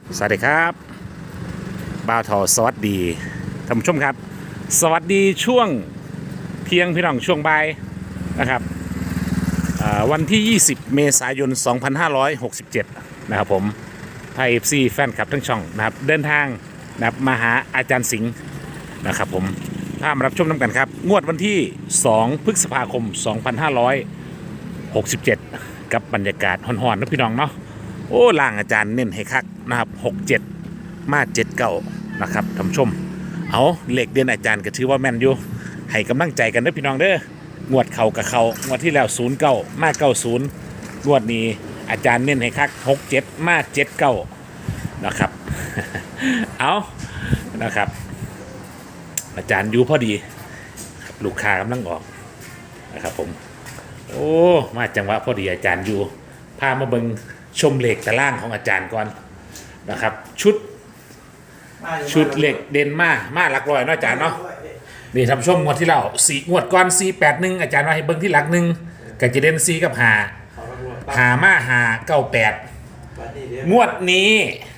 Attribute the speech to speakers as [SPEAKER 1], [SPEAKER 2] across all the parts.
[SPEAKER 1] สวัสดีครับบ่าวทอสวัสดีท่านผู้ชมครับสวัสดีช่วงเที่ยงพี่น้องช่วงบ่ายนะครับวันที่ 20 เมษายน 2567 นะครับผมไทย FC แฟนคลับทั้งช่องนะครับเดินทางนะครับมาหาอาจารย์สิงห์นะครับผมพามารับชมน้ำกันครับงวดวันที่ 2 พฤษภาคม 2567 กับบรรยากาศห่อนๆนะพี่น้องเนาะโอ้ล่างอาจารย์เน้นให้คักนะครับ67มา79นะครับท่านผู้ชมเอาเหล็กเด่นอาจารย์ก็ถือว่าแม่นอยู่ให้กำลังใจกันนะพี่น้องเด้องวดเข่ากับเขางวดที่แล้ว09มา90งวดนี้อาจารย์เน้นให้คัก67มา79นะครับ เอานะครับอาจารย์อยู่พอดีลูกค้ากำลังออกนะครับผมโอ้มาจังหวะพอดีอาจารย์อยู่พามาเบิงชมเหล็กตะล่างของอาจารย์ก่อนนะครับชุดเหล็กเด่นมาหลักร้อยเนาะอาจารย์เนาะนี่ทำชมงวดที่เรา4งวดก่อน481อาจารย์ว่าให้เบิงที่หลักหนึ่งก็จะเด่น4กับ5มา98งวดนี้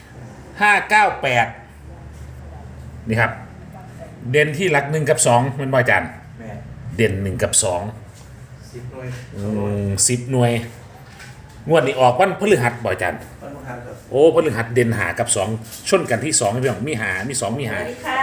[SPEAKER 1] 598นี่ครับเด่นที่หลัก1กับ2มันบ่อาจารย์เด่น1กับ2
[SPEAKER 2] 10 หน่วย
[SPEAKER 1] 10 หน่วยงวดนี้ออกวันพฤหัสบ่อาจารย์โอ้พฤหัสเด่นหากับ2ชนกันที่2พี่น้องมีหามี2มีหา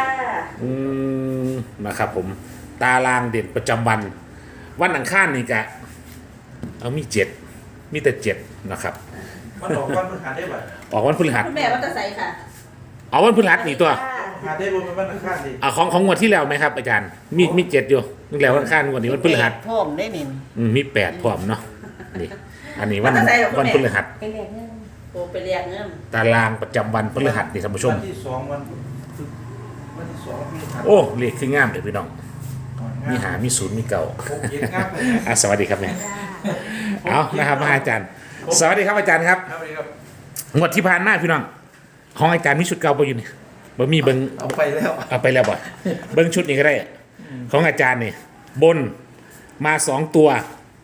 [SPEAKER 1] นะครับผมตารางเด่นประจำวันอังคารนี่กะเอามี7มีแต่7นะครับ
[SPEAKER 2] มันออกวันพฤหัสได้ป่ะ
[SPEAKER 1] ออกวันพฤหัส
[SPEAKER 3] คุณแม่ว่าจะใส่ค่ะ
[SPEAKER 1] เอาวันพฤหัสนี่ตัว
[SPEAKER 2] หาได้รวมเป็นวันอังคารดิ
[SPEAKER 1] ของงวดที่แล้วไหมครับอาจารย์มี7อยู่นึกแล้ววันอังคารงวดนี้วันพฤหัส
[SPEAKER 3] พ่อมได้นิน
[SPEAKER 1] มี8พร้อมเนาะนี่อันนี้วันพฤหัส
[SPEAKER 3] ไปเรียกเงินโอ้ไปเรียกเงิน
[SPEAKER 1] ตารางประจำวันพฤหัสนี่ท่านผู้ชม
[SPEAKER 2] วันที่2วันพฤหัส
[SPEAKER 1] โอ้เลขคืองามเดี๋ยวพี่น้องมีหามีศูนย์มีเก่า
[SPEAKER 2] 6 7งับเลย
[SPEAKER 1] สวัสดีครับแม่เอานะครับอาจารย์ สวัสดีครับอาจารย์ครับ
[SPEAKER 2] ครับ
[SPEAKER 1] งวดที่ผ่านมาพี่น้องของอาจารย์มีชุดเก่าไปอยู่นี่บ่มีเบิ้ง
[SPEAKER 2] เอาไปแล้ว
[SPEAKER 1] เอาไปแล้วบ่เบิ้งชุดนี้ก็ได้ของอาจารย์นี่บนมา2ตัว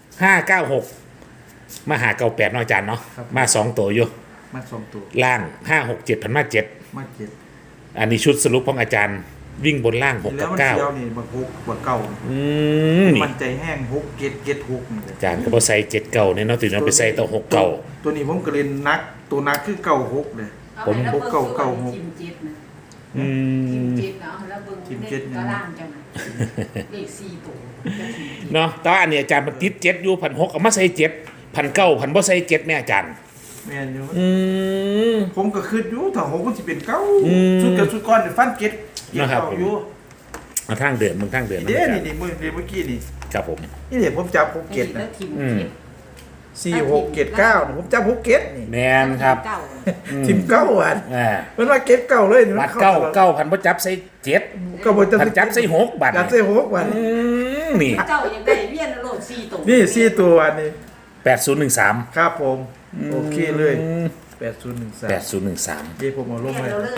[SPEAKER 1] 596มาหา98เนาะอาจารย์เนาะมา2ตัวอยู่
[SPEAKER 2] มา2ตัว
[SPEAKER 1] ล่าง567พันมา7
[SPEAKER 2] มา7
[SPEAKER 1] อันนี้ชุดสรุปของอาจารย์วิ่งบนล่าง6
[SPEAKER 2] แล้
[SPEAKER 1] กั
[SPEAKER 2] ว
[SPEAKER 1] บ
[SPEAKER 2] มัน
[SPEAKER 1] 9
[SPEAKER 2] เดียวนี่บัก6บักเก่า
[SPEAKER 1] นี่
[SPEAKER 2] มันใจแห้ง6 7 6นี่
[SPEAKER 1] อาจารย์ก็บ่ใส่7เก่าเนี่ยเนาะตื่นเอาไปใส่ต่อ6เก่า
[SPEAKER 2] ตัวนี้ผมก็เล่นนักตัวนักคือเก่า6เลย
[SPEAKER 1] ผม
[SPEAKER 3] ทิมจิตนะทิมจิตเนาะแล้วเบิ่งเด็กก็ล่างจังเลข4ตัว
[SPEAKER 1] เนาะแต่ว่าอันนี้อาจารย์มันติด7อยู่1,600เอามาใส่7 1,900พันบ่ใส่7แม่อาจารย์
[SPEAKER 2] แม่นอยู่
[SPEAKER 1] ม
[SPEAKER 2] ผมก็คิดอยู่ถ้า6มันสิเป็นเก่าชุดกับชุดก่อนฟันเก็ต
[SPEAKER 1] นะครับ
[SPEAKER 2] เก่าอยู่
[SPEAKER 1] เอาทางเดินมึงทางเดิน
[SPEAKER 2] เดี๋ยว
[SPEAKER 1] อาจาร
[SPEAKER 2] นี่
[SPEAKER 1] ย์
[SPEAKER 2] นี่เมื่อกี้นี่
[SPEAKER 1] ครับผม
[SPEAKER 2] นี่เดี๋ยวผมจับ6เก็ต
[SPEAKER 3] แล้
[SPEAKER 2] นะ
[SPEAKER 3] วทิม
[SPEAKER 2] 4 6เก็ต9นะผมจับ6เก็ตนี่
[SPEAKER 1] แมนครับ
[SPEAKER 3] เก่า
[SPEAKER 2] ทีมเก้าวัน
[SPEAKER 1] อ่า
[SPEAKER 2] มันว่าเก็ตเก่าเลย
[SPEAKER 1] วัดเก้าพันบ่จับใส่7
[SPEAKER 2] ก็บ่จะ
[SPEAKER 1] พันจับใส่6บาท
[SPEAKER 2] จับใส่6วัน
[SPEAKER 1] นี่
[SPEAKER 3] เก่ายังได้เวียนโลด4ตัว
[SPEAKER 2] นี่4ตัววันนี้
[SPEAKER 1] 8013
[SPEAKER 2] ครับผมโอเคเลย8013
[SPEAKER 1] 8013
[SPEAKER 2] เดี๋ยวผมเอาลง
[SPEAKER 3] เวียน
[SPEAKER 2] เลย
[SPEAKER 3] เราเลย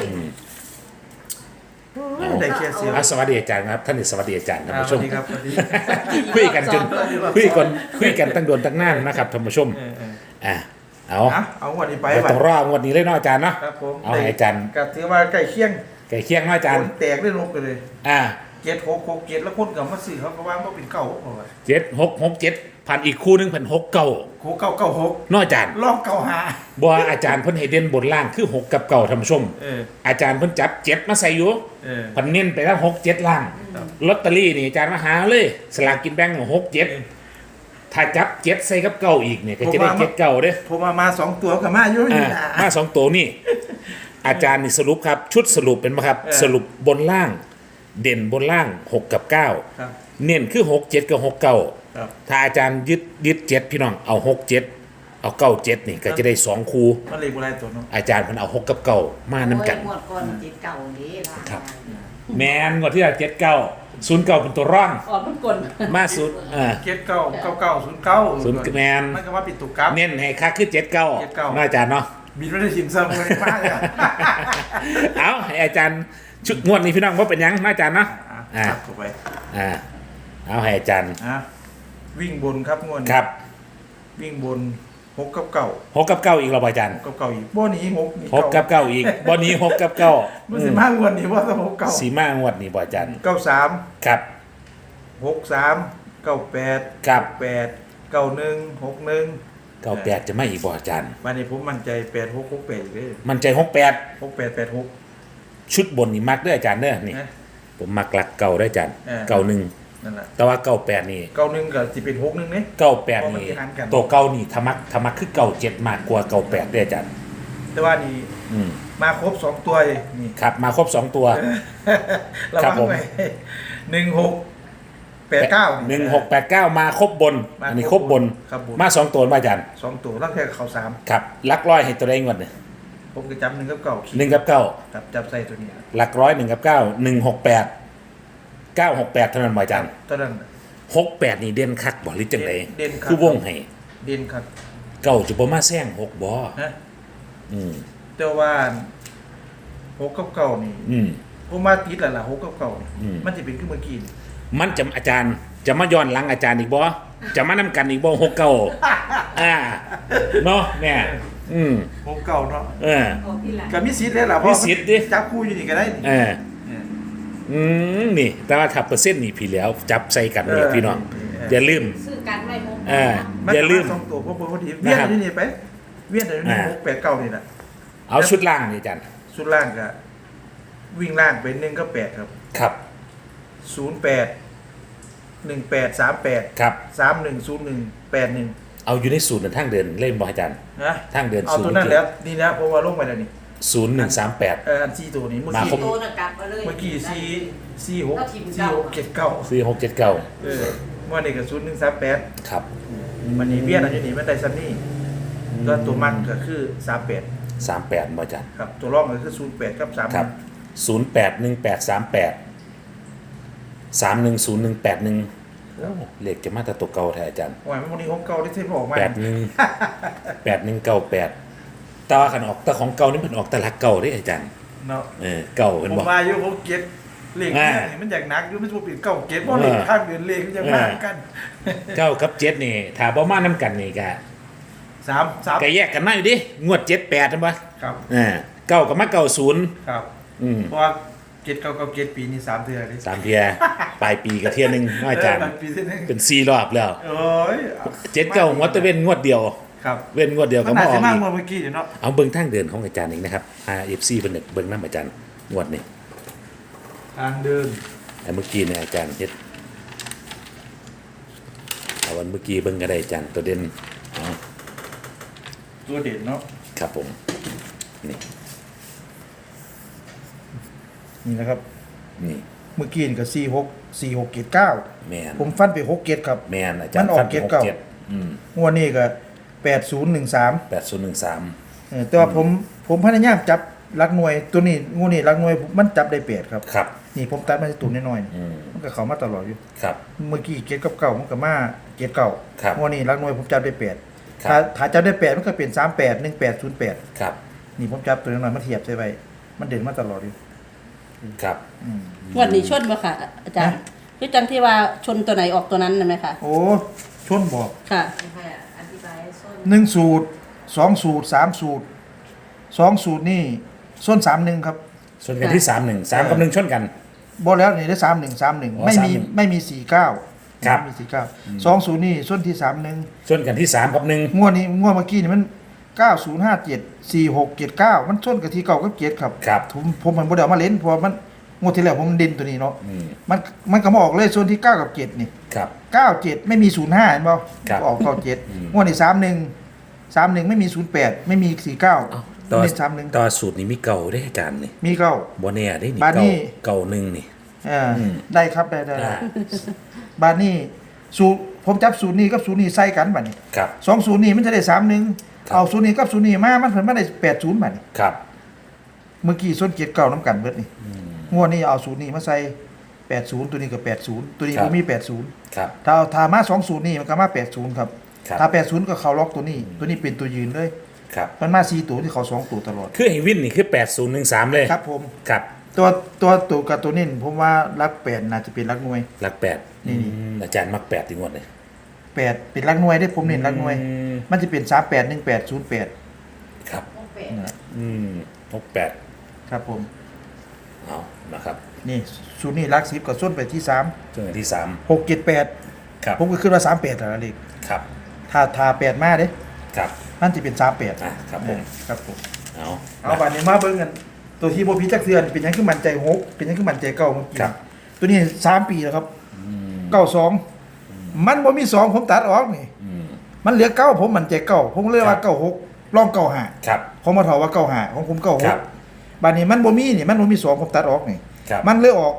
[SPEAKER 2] ได้แค่เสียว
[SPEAKER 1] สวัสดีอาจารย์ครับท่านนี่สวัสดีอาจารย์ท่าน
[SPEAKER 2] ส
[SPEAKER 1] ผู้ช
[SPEAKER 2] วัส
[SPEAKER 1] ม
[SPEAKER 2] ดีครับสวัสดี
[SPEAKER 1] คุยกันจนคุยกันตั้งโดนตั้งนานนะครับท่านผู้ชมเอา
[SPEAKER 2] เอาวันนี้ไป
[SPEAKER 1] ไป
[SPEAKER 2] วั
[SPEAKER 1] ต้องรองวดนี้เลยเนาะอาจารย์เนาะ
[SPEAKER 2] ครับผม
[SPEAKER 1] เอาให้อาจารย์
[SPEAKER 2] ก็ถือว่าใกล้เคียง
[SPEAKER 1] ไก่เคียงเนาะอาจารย์
[SPEAKER 2] แตกได้ลงไปเลย
[SPEAKER 1] อ่า
[SPEAKER 2] เก็ต6 6เก็ตแล้วคนกับมาซื้อเขาก็ว่าบ่เป็นเก่าเพราะว่า
[SPEAKER 1] 7667พันอีกคู่หนึงพัน6เก่า
[SPEAKER 2] โคเก่า96
[SPEAKER 1] เนาะอาจารย์
[SPEAKER 2] ลองเก่าหา
[SPEAKER 1] บ่อาจารย์เพิ่นให้เด่นบนล่างคือ6กับเก่าท่านผู้ชม อาจารย์เพิ่นจับ7มาใส่อยู่พันเน้นไปแล้ว6 7ล่างลอตเตอรี่นี่อาจารย์มาหาเลยสลากกินแบ่ง6 7ถ้าจับ7ใส่กับเก่าอีกเนี่ยก็จะได้7เก่าเด้อ
[SPEAKER 2] ผมมา2ตัวกับมาอยู่นี่นะ
[SPEAKER 1] มา2ตัวนี่อาจารย์นี่สรุปครับชุดสรุปเป็นไหมครับสรุปบนล่างเด่นบนล่าง6กับ9
[SPEAKER 2] ครับ
[SPEAKER 1] เน้นคือ6 7กับ6 9
[SPEAKER 2] ครับ
[SPEAKER 1] ถ้าอาจารย์ยึด7พี่น้องเอา6 7เอา9 7นี่ก็จะได้2คู่
[SPEAKER 2] มันเลยบ่ได้ตัวเนาะ
[SPEAKER 1] อาจารย์เพิ่นเอา6กับ9มานํกัน
[SPEAKER 3] หมดก่อนจิตเก่านี้ล่ะ
[SPEAKER 1] ครับ แม่นกว่าที่7 9 0 9เป็นตัวร่อง
[SPEAKER 3] ออกมันกล
[SPEAKER 1] มาสุด
[SPEAKER 2] เก็ต9 99 09
[SPEAKER 1] แมน
[SPEAKER 2] มันก็ว่าปิดตุกครับ
[SPEAKER 1] เน้นให้คักคือ7 9เนาะอาจารย์เนาะ
[SPEAKER 2] บินไม่ได้ชิมซ้ำเลยมากเลย
[SPEAKER 1] เอาให้อาจารย์ชุดงวดนี้พี่น้องว่าเป็นหยังเนาะอาจารย์เนาะ
[SPEAKER 2] เข้าไป
[SPEAKER 1] เอาให้อาจารย์
[SPEAKER 2] วิ่งบนครับงวด
[SPEAKER 1] ครับ
[SPEAKER 2] วิ่งบน 6กับเก้า
[SPEAKER 1] หกกับเก้าอีกเราบ่อาจารย์
[SPEAKER 2] 6กับเก้าอีกบ่หนี6นี่
[SPEAKER 1] หกกับเก้าอีกบ่นี้หกกับเก้า
[SPEAKER 2] มันสิมางวดนี้ว่าต้อง6เก้า
[SPEAKER 1] สีมางวดนี่บ่อาจารย์
[SPEAKER 2] 93
[SPEAKER 1] ครับ
[SPEAKER 2] 63 98
[SPEAKER 1] ครับ
[SPEAKER 2] 8 91 61
[SPEAKER 1] เก้าแปดจะไม่อีกบ่อาจารย์
[SPEAKER 2] วันนี้ผมมั่นใจ86 68อีกเด้อ
[SPEAKER 1] มันใจ68
[SPEAKER 2] 68 86
[SPEAKER 1] ชุดบนนี่มักเด้ออาจารย์เด้อนี่
[SPEAKER 2] นะ
[SPEAKER 1] ผมมักหลักเก่าได้ออาจารย์
[SPEAKER 2] เออ
[SPEAKER 1] เก่าหนึ่ง
[SPEAKER 2] นั่นแหละ
[SPEAKER 1] แต่ว่าเก่าแปดนี่
[SPEAKER 2] 91ก็สิเป็น61เด้
[SPEAKER 1] เก่าแปด
[SPEAKER 2] เพราะมัน
[SPEAKER 1] นี่
[SPEAKER 2] สิหันกัน
[SPEAKER 1] ตัวเก่านี่ทะมักคือเก่าเจ็ดมากกว่าเก่าแปดได้ออาจารย์
[SPEAKER 2] แต่ว่านี่
[SPEAKER 1] อืม
[SPEAKER 2] มาครบ2ตัวเลยนี่
[SPEAKER 1] ครับมาครบสองตัว
[SPEAKER 2] ระ
[SPEAKER 1] ครับ
[SPEAKER 2] วัง
[SPEAKER 1] ผม
[SPEAKER 2] ไว้1689
[SPEAKER 1] 1689มาครบบน
[SPEAKER 2] มา
[SPEAKER 1] อันนี้ครบบน
[SPEAKER 2] ครับบน
[SPEAKER 1] มาสองตัวมาอาจารย์
[SPEAKER 2] 2ตัวลังแค่เขา3
[SPEAKER 1] ครับหลักร้อยให้ตัวใดงวดเนี่ย
[SPEAKER 2] ผมก็จำ1กับเก้า
[SPEAKER 1] หนึ่งกับเก้า
[SPEAKER 2] ครับจับใส่ตัวนี้
[SPEAKER 1] หลักร้อย1 กับ 9 168 968เท่านั้นบ่อาจารย์
[SPEAKER 2] ตอนนั้น
[SPEAKER 1] 68นี่เด่นคักบ่หรือจังได
[SPEAKER 2] เด่นคัก
[SPEAKER 1] คือวงให้
[SPEAKER 2] เด่นครับ
[SPEAKER 1] เก้าจะบ่มาแซง6บ่
[SPEAKER 2] นะ
[SPEAKER 1] อืม
[SPEAKER 2] แต่ว่า6กับเก้านี่
[SPEAKER 1] อืม
[SPEAKER 2] ผมมาติดแล้วล่ะ6กับเก้านี่
[SPEAKER 1] อืม
[SPEAKER 2] มันจะเป็นขึ้นเมื่อกี้นี่
[SPEAKER 1] มันจะอาจารย์จะมาย้อนหลังอาจารย์อีกบ่จะมานำกันอีกบ่6 9เนาะแม่อืม
[SPEAKER 2] 6เก้าเนาะ
[SPEAKER 1] เออ
[SPEAKER 3] โอ้พี่หลาน
[SPEAKER 2] ก็มีสิทธิ์เลยล่ะ
[SPEAKER 1] มีสิทธิ์ดิ
[SPEAKER 2] จับคู่อยู่นี่ก็ได้นี่
[SPEAKER 1] เออ
[SPEAKER 2] เออ
[SPEAKER 1] นี่ แต่ว่าถ้าเปอร์เซ็นต์นี่พี่แล้ว จับใส่กันนี่พี่น้องอย่าลืม
[SPEAKER 3] ซื้อกันไว้หก
[SPEAKER 1] เออ
[SPEAKER 2] มัน
[SPEAKER 1] อย่าลืม
[SPEAKER 2] สองตัวผมพอดีเวียนอยู่นี่ไปเวียนอยู่นี่6 8 9นี่แหละ
[SPEAKER 1] เอาชุดล่างนี่อาจารย์
[SPEAKER 2] สุดล่างก็วิ่งล่างเป็น1กับ8ครับ
[SPEAKER 1] ครับ
[SPEAKER 2] 08 18 38
[SPEAKER 1] ครับ
[SPEAKER 2] 3101 81
[SPEAKER 1] เอาอยู่ในศูนย์ทางเดินเล่นบ่อาจารย์
[SPEAKER 2] นะ
[SPEAKER 1] ทางเดิน
[SPEAKER 2] เอาตัวนั้นแล้วนี่นะเพราะว่าลงไปแล้วนี่
[SPEAKER 1] 0138
[SPEAKER 2] อันซีตัวนี้เมื่อ
[SPEAKER 1] มา
[SPEAKER 2] กี้
[SPEAKER 1] ครบ
[SPEAKER 3] โตนะกลับมาเลย
[SPEAKER 2] เมื่อกี้ซี6
[SPEAKER 3] ก็ทีม
[SPEAKER 2] ซี
[SPEAKER 3] เก่า
[SPEAKER 2] 6 7 9
[SPEAKER 1] 4679
[SPEAKER 2] เออเมื่อนี้ก็0138
[SPEAKER 1] ครับ
[SPEAKER 2] มันนี่เวียนอันนี้มันได้ซ้ำนี่ก็ตัวมันก็คือ38
[SPEAKER 1] 38บ่อาจารย์
[SPEAKER 2] ครับตัวรองก็คือ08กับ3
[SPEAKER 1] ครับ081838 310181เลขจะมาแต่ตัวเก่าแท้อาจารย์
[SPEAKER 2] โอ้ยมันวันนี้ของเก่าได้เทปออกมา
[SPEAKER 1] 818198แต่ว่าคันออกแต่ของเก่านี่มันออกแต่หลักเก่าเด้อาจารย์
[SPEAKER 2] เนาะ
[SPEAKER 1] เก่าเป็น
[SPEAKER 2] ผม
[SPEAKER 1] บ่
[SPEAKER 2] มาอยู่ผมเก็ตเลขเนี่ยนี่มันอยากหนักอยู่มันจะเป็นเก่าเก็ตเพราะเลขข้างเดือนเลขมันยังมากกัน
[SPEAKER 1] เก้ากับ7นี่ถ้าบ่มานํกันนี่ก็
[SPEAKER 2] 3
[SPEAKER 1] ก็แยกกันมาอยู่ดิงวด78นั่นบ่
[SPEAKER 2] ครับ
[SPEAKER 1] เก้ากับมา90
[SPEAKER 2] ครับ
[SPEAKER 1] อืม
[SPEAKER 2] เพราะว่าเก็ตเก่ากับเก็ตปีนี้3เดือนเลย
[SPEAKER 1] 3เที่ยปลายปีก็เที่ยหนึงเนาะอาจารย์
[SPEAKER 2] ปีที่นึง
[SPEAKER 1] เป็น4รอบแล้ว
[SPEAKER 2] โอ้ย
[SPEAKER 1] 7 9งวดแตะเว้นงวดเดียว
[SPEAKER 2] ครับ
[SPEAKER 1] เว้นงวดเดียวก็
[SPEAKER 2] มัน
[SPEAKER 1] มา
[SPEAKER 2] น่า
[SPEAKER 1] ออ
[SPEAKER 2] จะ
[SPEAKER 1] ก
[SPEAKER 2] มาก
[SPEAKER 1] อีก
[SPEAKER 2] กว่าเมื่อกี้เนาะ
[SPEAKER 1] เอาเบิ่งทางเดินของอาจารย์อีกนะครับ RFC เพิ่นนึกเบิ่งนำอาจารย์งวดนี้
[SPEAKER 2] ทางเดิน
[SPEAKER 1] แต่เมื่อกี้เนี่ยอาจารย์เฮ็ดเอาวันเมื่อกี้เบิ่งก็ได้อาจารย์ตัวเด่นอ๋อ
[SPEAKER 2] ตัวเด่นเนาะ
[SPEAKER 1] ครับผมนี่
[SPEAKER 2] นี่นะครับ
[SPEAKER 1] นี่
[SPEAKER 2] เมื่อกี้นี่ก็46 46 79
[SPEAKER 1] แม่น
[SPEAKER 2] ผมฟันไป6เก็ตครับ
[SPEAKER 1] แม่นอาจารย์
[SPEAKER 2] มันออก
[SPEAKER 1] ฟัน
[SPEAKER 2] เกรดเก่า
[SPEAKER 1] 67อืม
[SPEAKER 2] งวดนี้ก็8013
[SPEAKER 1] 8013
[SPEAKER 2] แต่ว่าผมพยายามจับหลักหน่วยตัวนี้งูนี่หลักหน่วยมันจับได้8ครับ
[SPEAKER 1] ครับ
[SPEAKER 2] นี่ผมตัดมาที่ตัวน้อย
[SPEAKER 1] อืม
[SPEAKER 2] ๆมันก็เข้ามาตลอดอยู่
[SPEAKER 1] ครับ
[SPEAKER 2] เมื่อกี้เก็ตกับเก่ามันก็มาเก็ตเก่า
[SPEAKER 1] ครับ
[SPEAKER 2] งวดนี้หลักหน่วยผมจับได้8
[SPEAKER 1] ครับ
[SPEAKER 2] ถ้าจับได้8มันก็เป็น38 1808
[SPEAKER 1] ครับ
[SPEAKER 2] นี่ผมจับตัวน้อยๆมาเทียบใช่ไว้มันเด่นมาตลอดอยู่
[SPEAKER 1] ครับ
[SPEAKER 4] งวันนี้ชนบ่ค่ะ อาจารย์คือจังที่ว่าชนตัวไหนออกตัวนั้นน่ะไหมคะ
[SPEAKER 2] โอ้ชนบอก
[SPEAKER 4] ค่ะ
[SPEAKER 3] ให้อธิบายให้ส้น
[SPEAKER 2] 1สูตร2สูตร3สูตร2สูตรนี่ส้น31ครับ
[SPEAKER 1] ชนกันที่31 3กับ1ชนกัน
[SPEAKER 2] บ่แล้วนี่ได้3131ไม่มี
[SPEAKER 1] 31
[SPEAKER 2] ไม่มี49
[SPEAKER 1] ครับ
[SPEAKER 2] ไม่มี49 2สูตรนี่ส้นที่31
[SPEAKER 1] ชนกันที่3กับ1
[SPEAKER 2] งวดนี้งวดเมื่อกี้นี่มัน9057 4679มันส้นกับที่เก่าก็เกียรครับ
[SPEAKER 1] ครับ
[SPEAKER 2] ผมมันบ่ได้เอามาเล่นเพราะว่ามันงวดที่แล้วผมเด่นตัวนี้เนาะ
[SPEAKER 1] อืม
[SPEAKER 2] มันก็มาออกเลยส่วนที่9กับ7นี่
[SPEAKER 1] ครับ
[SPEAKER 2] 97ไม่มี05เห็นบ่
[SPEAKER 1] ครับ
[SPEAKER 2] ออก
[SPEAKER 1] อืม
[SPEAKER 2] 97งวดนี้31ไม่มี08ไม่มี49
[SPEAKER 1] ต่อ
[SPEAKER 2] มี31
[SPEAKER 1] ต่อสูตรนี้มีเก่าได้อาจารย์นี่
[SPEAKER 2] มีเก้า
[SPEAKER 1] บ่แน่ได้นี่
[SPEAKER 2] บาดนี้
[SPEAKER 1] เก่าหนึ่งนี่
[SPEAKER 2] มได้ครับได้
[SPEAKER 1] อ่า
[SPEAKER 2] บาดนี้สูตรผมจับสูตรนี้กับสูตรนี้ใส่กันบัดนี้
[SPEAKER 1] ครับ
[SPEAKER 2] สองสูตรนี้มันจะได้31
[SPEAKER 1] ครับ
[SPEAKER 2] เอาสูตรนี้กับสูตรนี้มามันเพิ่นมาได้80บัดนี้
[SPEAKER 1] ครับ
[SPEAKER 2] เมื่อกี้ส้นเกียรเก่าน้ำกันเบิดนี่งวดนี้เอาสูตรนี้มาใส่80ตัวนี้ก็80ตัวนี้บ่มี80
[SPEAKER 1] ครับ
[SPEAKER 2] ถ้ามา2สูตรนี้มันก็มา80ครับ
[SPEAKER 1] ครับ
[SPEAKER 2] ถ้า80ก็เข้าล็อกตัวนี้ ตัวนี้เป็นตัวยืนเลย
[SPEAKER 1] ครับ
[SPEAKER 2] มันมา4ตัวที่เขา2ตัวตลอด
[SPEAKER 1] คือให้วินนี่คือ8013เลย
[SPEAKER 2] ครับผม
[SPEAKER 1] ครับ
[SPEAKER 2] ตัวกับตัวนี้ผมว่ารัก8น่าจะเป็นรักหน่วย
[SPEAKER 1] หลัก8
[SPEAKER 2] นี่
[SPEAKER 1] อาจารย์มัก8ถึงหมดเลย
[SPEAKER 2] 8เป็นหลักหน่วยได้ผมเน้นหลักหน่วย
[SPEAKER 1] อืม
[SPEAKER 2] มันจะเป็น381808
[SPEAKER 1] ครับ
[SPEAKER 3] พวกแปด
[SPEAKER 2] นะ
[SPEAKER 1] 68
[SPEAKER 2] ครับผม
[SPEAKER 1] เอานะครับ
[SPEAKER 2] นี่สูตรนี้หลัก10ก็ส่วนไปที่3
[SPEAKER 1] ช่วงที่
[SPEAKER 2] 678
[SPEAKER 1] ครับ
[SPEAKER 2] ผมก็คิดว่า38แล้วเลข
[SPEAKER 1] ครับ
[SPEAKER 2] ถ้า8มาเด้
[SPEAKER 1] ครับ
[SPEAKER 2] มันจะเป็น38
[SPEAKER 1] ครับผม
[SPEAKER 2] ครับผม
[SPEAKER 1] เอา
[SPEAKER 2] เอาบัดนี้มาเบิ่งกันตัวที่บ่ผิดจักเทือนเป็นหยังคือมั่นใจ6เป็นหยังคือมั่นใจ9เมื่อกี้
[SPEAKER 1] ครับ
[SPEAKER 2] ตัวนี้3ปีแล้วครับ92มันบ่มี2ผมตัดออกนี่
[SPEAKER 1] อืม
[SPEAKER 2] มันเหลือ9ผมมั่นใจ9ผมเลยว่า96ลอง95
[SPEAKER 1] ครับ
[SPEAKER 2] ผมมาถอว่า95ของผม
[SPEAKER 1] ครับ
[SPEAKER 2] 96บัดนี้มันบ่มีนี่มันบ่มี2ผมตัดออกนี่
[SPEAKER 1] ครับ
[SPEAKER 2] มันเลยออก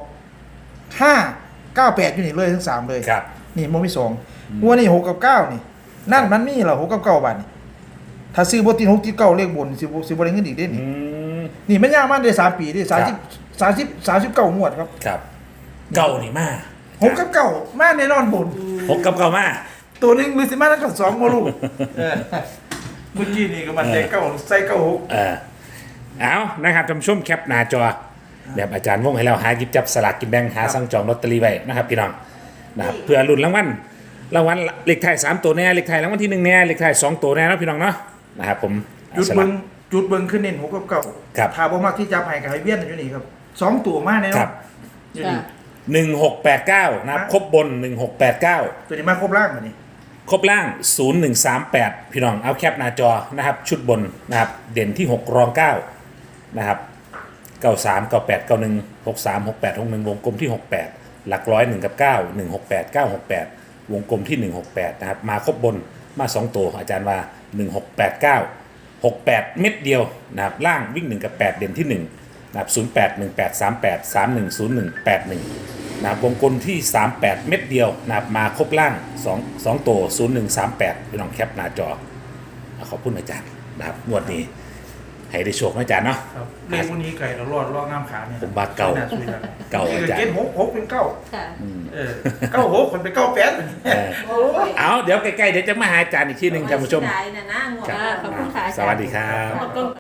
[SPEAKER 2] 598อยู่นี่เลยทั้ง3เลย
[SPEAKER 1] ครับ
[SPEAKER 2] นี่มันมี2หัวนี่6กับ9นี่นั่นมันมีเหรอ6กับ9บาทนี่ถ้าซื้อบ่ติด6ติด9เลขบนสิบ่ได้เงินอีกเด้
[SPEAKER 1] อื
[SPEAKER 2] นี่
[SPEAKER 1] ม
[SPEAKER 2] นี่มันยากมันได้3ปีดิ
[SPEAKER 1] ครับ
[SPEAKER 2] 39งวดครับ
[SPEAKER 1] ครับเก่านี่มา
[SPEAKER 2] 6กับ9มาแน่นอนบน
[SPEAKER 1] 6กับเก่ามา
[SPEAKER 2] ตัวหนึงหรือสิมาแล้วก็2บ่รู้เออเมื่อกี้นี่ก็มันใจ9ใส่96
[SPEAKER 1] เอานะครับท่านผู้ชมแคปหน้าจอแบบอาจารย์วงให้เราหาหยิบจับสลากกินแบ่งหาสั่งจองลอตเตอรี่ไว้นะครับพี่น้องนะครับเพื่อลุ้นรางวัลเลขท้าย3ตัวแน่เลขท้ายรางวัลที่1แน่เลขท้าย2ตัวแน่เนาะพี่น้องเนาะนะครับผม
[SPEAKER 2] จุดเบิ่งจุดเบิ่งขึ้นเน้น6กับ
[SPEAKER 1] ครับ
[SPEAKER 2] 9ถ้าบ่มักที่จับให้ก็ให้เวียนอยู่นี่ครับ2ตัวมาแน่น
[SPEAKER 1] ค
[SPEAKER 2] อ
[SPEAKER 1] รั
[SPEAKER 2] น
[SPEAKER 1] บ
[SPEAKER 2] อยู่นี่
[SPEAKER 1] 1689นะครับครบบน 1689
[SPEAKER 2] ตัวนี้มาครบล่างบัดนี้
[SPEAKER 1] ครบล่าง 0138 พี่น้องเอาแคปหน้าจอนะครับชุดบนนะครับเด่นที่ 6 รอง 9 นะครับ 93 98 91 63 68 61 วงกลมที่ 68 หลักร้อย1กับ 9 168 968 วงกลมที่ 168 นะครับ มาครบบนมา 2 ตัวอาจารย์ว่า 1689 68 เม็ดเดียวนะครับล่างวิ่ง 1 กับ 8 เด่นที่ 1 นะครับ 08 18 38 31 01 81 นะครับวงกลมที่ 38 เม็ดเดียวนะครับมาครบล่าง2ตัว 0138 พี่น้องแคปหน้าจอขอบคุณอาจารย์นะครับงวดนี้ให้ได้โชคนะอาจารย์เนาะ
[SPEAKER 2] ครับเลขพวกนี้ไก่เรารอดงามขาเนี่ย
[SPEAKER 1] ผมว่าเก่า
[SPEAKER 2] น่สวยครับ
[SPEAKER 1] เก่าอาจารย์
[SPEAKER 2] เกณฑ์6เป็น9
[SPEAKER 4] ค่ะ
[SPEAKER 2] 96คนเป็น98
[SPEAKER 1] เออ
[SPEAKER 3] โอ้ย
[SPEAKER 1] เอาเดี๋ยวใกล้ๆเดี๋ยวจะมาหาอาจารย์อีกทีหนึ่งท่านผู้ชม
[SPEAKER 3] ได้นะนะงวด
[SPEAKER 1] ครับ
[SPEAKER 4] ขอบคุณค่ะอาจารย์
[SPEAKER 1] สวัสดีครับ
[SPEAKER 4] ขอบคุณ